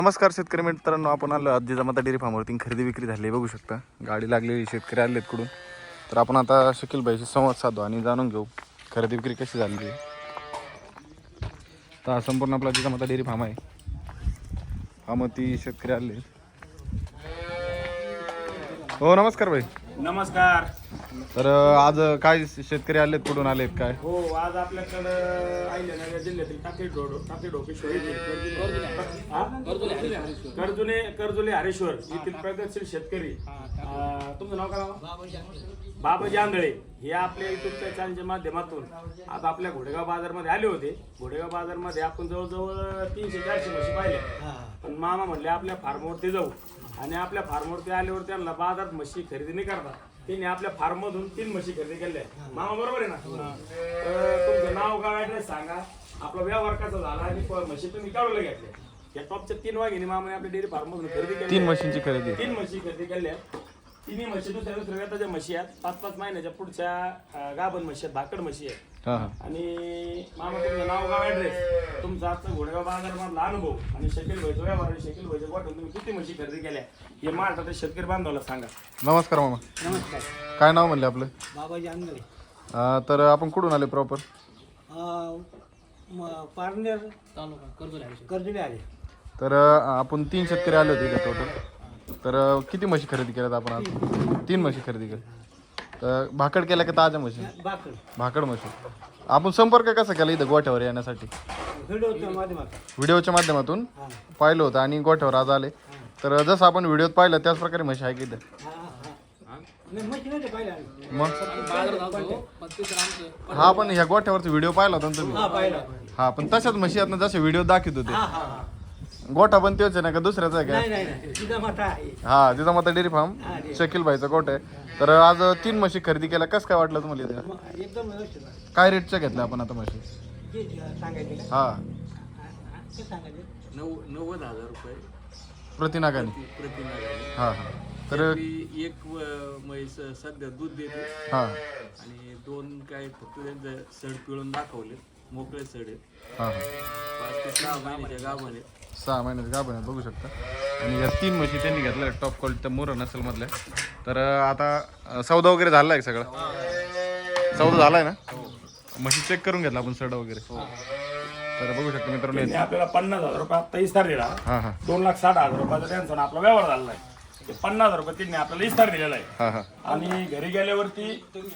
नमस्कार शेतकरी मित्रांनो, आपण आलो आज जिजामाता डेअरी फार्मवरती खरेदी विक्री झाली बघू शकता. गाडी लागलेली, शेतकरी आलेत कुठून. तर आपण आता शकील भाईशी संवाद साधू आणि जाणून घेऊ खरेदी विक्री कशी झाली आहे. तर हा संपूर्ण आपला जिजामाता डेअरी फार्म आहे. फार्मवरती शेतकरी आले. हो नमस्कार भाई. नमस्कार. तर आज काय शेतकरी आलेत, कुठून आलेत काय? हो, आज आपल्याकडं अहिल्यानगर जिल्ह्यातील टाकेडोकेश्वर कर्जुले हरेश्वर येथील प्रगतशील शेतकरी तुमचं नाव काय? बाबाजी आंधळे हे आपल्या युट्यूबच्या चॅनलच्या माध्यमातून आज आपल्या घोडेगाव बाजारमध्ये आले होते. घोडेगाव बाजारमध्ये आपण जवळजवळ 300-400 म्हशी पाहिल्या. पण मामा म्हणले आपल्या फार्मवरती जाऊ आणि आपल्या फार्मवरती आल्यावर त्यांना बाजारात म्हशी खरेदी नाही करतात. त्यांनी आपल्या फार्म मधून 3 म्हशी खरेदी केल्या. मामा बरोबर आहे ना? तुमचं नाव गाव ऍड्रेस सांगा, आपला व्यवहार कसा झाला आणि म्हशी तुम्ही काढूला घेतल्या. या टॉपच्या 3 वाघिणी मामाने आपल्या डेअरी फार्म मधून खरेदी केली. 3 म्हशींची खरेदी. 3 म्हशी खरेदी केल्या. तिन्ही म्हशी दुसऱ्या व्यताच्या म्हशी आहेत. 5-5 महिन्याच्या पुढच्या गाभण म्हशी आहेत, भाकड म्हशी आहेत. आणि मामा तुमचं नाव गाव ऍड्रेस, तुमचा आजचा घोडेगाव बाजार मधला अनुभव आणि शकील भाईचा व्यवहार आणि शकील भाईच्या वाटून तुम्ही किती म्हशी खरेदी केल्या हे महाराष्ट्रातील शेतकरी बांधवाला सांगा. नमस्कार मामा. नमस्कार. काय नाव म्हणले आपलं? बाबाजी आंधळे. तर आपण कुठून आले प्रॉपर? पारनेर तालुका कर्जुले आले. तर आपण 3 शेतकरी आले होते का टोटल? तर किती म्हशी खरेदी केल्यात आपण आज? 3 म्हशी खरेदी केल्या. तर भाकड केल्या का ताज्या म्हशी? भाकड म्हशी. आपण संपर्क कसा केला इथं गोठ्यावर येण्यासाठी? व्हिडिओच्या माध्यमातून पाहिलं होतं आणि गोठ्यावर आज आले. तर जसं आपण व्हिडिओत पाहिलं त्याच प्रकारे म्हशी आहे की इथं? मग हा, पण ह्या गोठ्यावरचा व्हिडिओ पाहिला होता ना तुम्ही? हा, पण तशाच म्हशी आहेत ना जसे व्हिडिओ दाखवत होते. गोठा पण तेच आहे ना का दुसऱ्याचा आहे का? हा, जिजामाता डेअरी फार्म शकील भाईचा गोठा आहे. तर आज 3 म्हशी खरेदी केल्या. कसं काय वाटलं तुम्हाला इथे? एकदम काय रेटच्या घेतल्या आपण आता म्हशी? हा, 90,000 रुपये प्रतिनागाने. प्रतिनागाने. हा हा. तर एक म्हैस सध्या दूध देते हा आणि 2 काय फक्त त्यांचं सड पिळून दाखवले, मोकळे सड आहेत. हा 5 ते 6 महिन्याच्या गावाने 6 महिन्याचं गाभण आहे बघू शकता. आणि या 3 म्हशी त्यांनी घेतल्या टॉप क्वालिटीच्या मोर नसल मधल्या. तर आता सौदा वगैरे झाला आहे सगळा? सौदा झाला आहे ना? म्हशी चेक करून घेतला आपण सड वगैरे. तर बघू शकता मित्रांनो, त्यांनी आपल्याला 50,000 रुपये आता इस्तार दिला. हा हा 2,60,000 रुपयाचा त्यांचा आपला व्यवहार झालेला आहे. ते 50,000 रुपये त्यांनी आपल्याला इस्तार दिलेला आहे. हा हा आणि घरी गेल्यावरती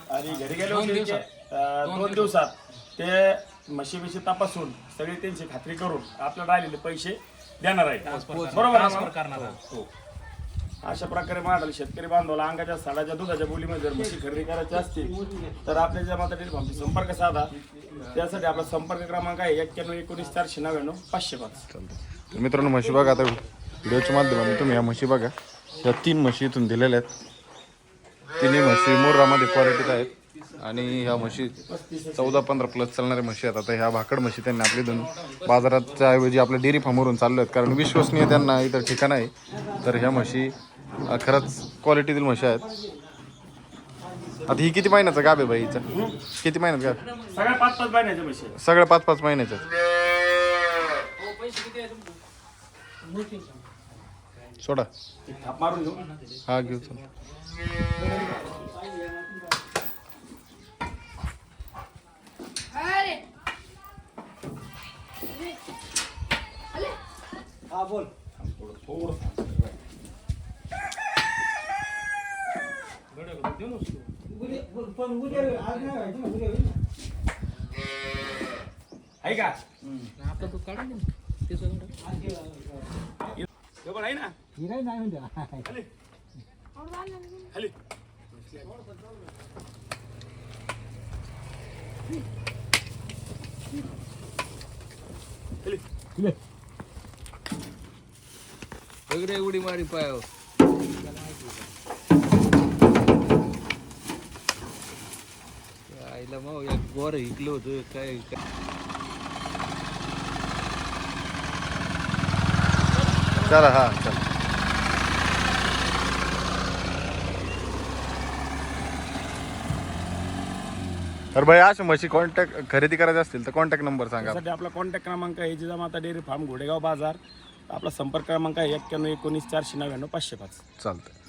2 दिवसात ते म्हशी तपासून सगळी त्यांची खात्री करून आपल्याला राहिलेले पैसे देणार आहेत. बरोबर आहे? हो. अशा प्रकारे म्हणाल शेतकरी बांधवाला अंगाच्या साडाच्या दुधाच्या बोलीमध्ये जर म्हशी खरेदी करायची असतील तर आपल्या जिजामाता डेअरी फार्मशी संपर्क साधा. त्यासाठी आपला संपर्क क्रमांक आहे 91-19-499-505. तर मित्रांनो, म्हशी बघा. आता व्हिडिओच्या माध्यमातून तुम्ही या म्हशी बघा. या 3 म्हशी इथून दिलेल्या आहेत. 3 म्हशी मोरामध्ये क्वालिटीत आहेत आणि ह्या म्हशी 14-15 प्लस चालणाऱ्या म्हशी आहेत. आता ह्या भाकड म्हशी त्यांनी आपली दोन बाजाराच्या ऐवजी आपल्या डेअरी फार्मवरून चाललो आहेत, कारण विश्वसनीय त्यांना इतर ठिकाण आहे. तर ह्या म्हशी खरंच क्वालिटीतील म्हशी आहेत. आता ही किती महिन्याचा गाभ आहे बाई? हिचा किती महिन्याचा गाभ? सगळ्या 5-5 महिन्याच्या म्हशी. सगळ्या 5-5 महिन्याच्या. सोडा थाप मारून घेऊ. हा घेऊ. हा बोल. आहे का? आता तू काढून दे ते बरोबर आहे ना? हिराई नाही म्हणते. खाली सगळे उडी मारी पायावर. आईला मग एक गोर हिकलं होतं काय. चला हा चला. तर भाई अशा म्हशी कॉन्टॅक्ट खरेदी करायचे असतील तर कॉन्टॅक्ट नंबर सांगा. त्यासाठी आपला कॉन्टॅक्ट क्रमांक आहे जिजामाता डेअरी फार्म घोडेगाव बाजार. आपला संपर्क क्रमांक आहे 91 19 499 505. चालतं.